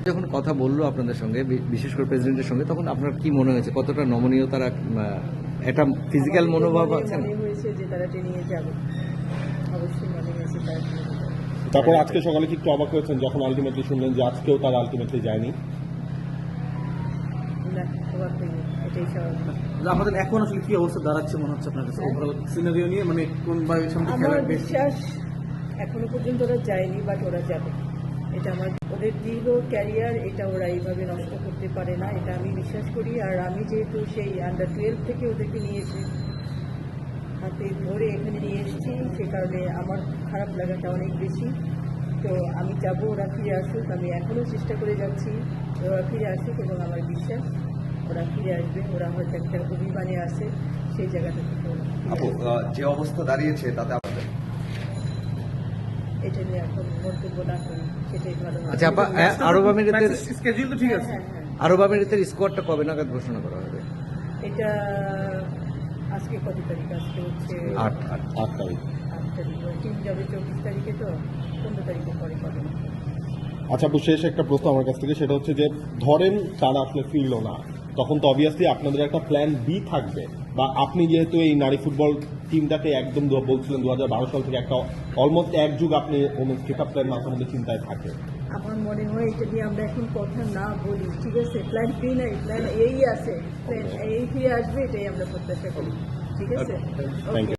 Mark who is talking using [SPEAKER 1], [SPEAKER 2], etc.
[SPEAKER 1] যখন কথা বললো আপনাদের সঙ্গে, বিশেষ করে প্রেসিডেন্টের সঙ্গে, তখন আপনার কি মনে হয়েছে? কতটা নমনীয় তারা, একটা ফিজিক্যাল মনোভাব আছে না?
[SPEAKER 2] মনে হয়েছে যে তারা নিয়ে যাবে, অবশ্যই মনে হয়েছে তারা টেনে নিয়ে যাবে।
[SPEAKER 3] তারপর আজকে সকালে কি একটু অবাক হয়েছেন যখন আলটিমেটলি শুনলেন যে আজকেও তারা আলটিমেটলি যায়নি?
[SPEAKER 2] না, অবাক হয়নি, এটাই স্বাভাবিক।
[SPEAKER 4] আমাদের এখন আসলে কি অবস্থা দাঁড়াচ্ছে মনে হচ্ছে আপনার কাছে ওভারঅল সিনারিও নিয়ে, মানে কোন বাড়ির সামনে
[SPEAKER 2] আমার
[SPEAKER 4] খেলার বেশ?
[SPEAKER 2] বিশ্বাস এখনো পর্যন্ত ওরা যায়নি, বাট ওরা যাবে। এটা আমার, ওদের দীর্ঘ ক্যারিয়ার, এটা ওরা এইভাবে নষ্ট করতে পারে না, এটা আমি বিশ্বাস করি। আর আমি যেহেতু সেই আন্ডার-12 থেকে ওদেরকে নিয়ে এসে হাতে ধরে এখানে নিয়ে এসেছি, সে কারণে আমার খারাপ লাগাটা অনেক বেশি। তো আমি যাবো, ওরা ফিরে আসুক। আমি এখনও চেষ্টা করে যাচ্ছি ওরা ফিরে আসুক, এবং আমার বিশ্বাস ওরা ফিরে আসবে। ওরা হয়তো একটা অভিমানে আসে, সেই জায়গাটা থেকে ওরা ফিরে
[SPEAKER 5] আপু,
[SPEAKER 2] আসবে।
[SPEAKER 5] যে অবস্থা দাঁড়িয়েছে তাতে আপনাদের
[SPEAKER 2] এটা নিয়ে এখন মন্তব্য না করি, সেটাই ভালো।
[SPEAKER 1] আচ্ছা আপা, আরব আমিরাতের
[SPEAKER 4] স্কেডিউল তো ঠিক আছে।
[SPEAKER 2] হ্যাঁ হ্যাঁ,
[SPEAKER 1] আরব আমিরাতের স্কোয়াডটা কবে নাগাদ ঘোষণা করা হবে?
[SPEAKER 2] এটা আজকে কত তারিখ? আজকে হচ্ছে
[SPEAKER 1] 8
[SPEAKER 3] তারিখ।
[SPEAKER 2] 8 তারিখ। টিম যাবে 24 তারিখে, তো 15 তারিখের পরে পাবেন।
[SPEAKER 3] আচ্ছা আপু, শেষ একটা প্রশ্ন আমার কাছ থেকে, সেটা হচ্ছে যে ধরেন তারা আসলে ফিরলো না, তখন তো অবভিয়াসলি আপনাদের একটা প্ল্যান বি থাকবে, বা আপনি যেহেতু এই নারী ফুটবল টিমটাকে একদম বলছিলেন 2012 সাল থেকে একটা অলমোস্ট এক যুগ আপনি ওমেন্স কিক আপ প্ল্যান মাথার মধ্যে চিন্তায় থাকে।
[SPEAKER 2] আমার মনে হয় এটা নিয়ে আমরা এখন কথা না বলি, ঠিক আছে? প্ল্যান বি নাই, প্ল্যান এই আছে, প্ল্যান এই ফিরে আসবে, এটাই আমরা প্রত্যাশা করি, ঠিক আছে?
[SPEAKER 3] Thank you.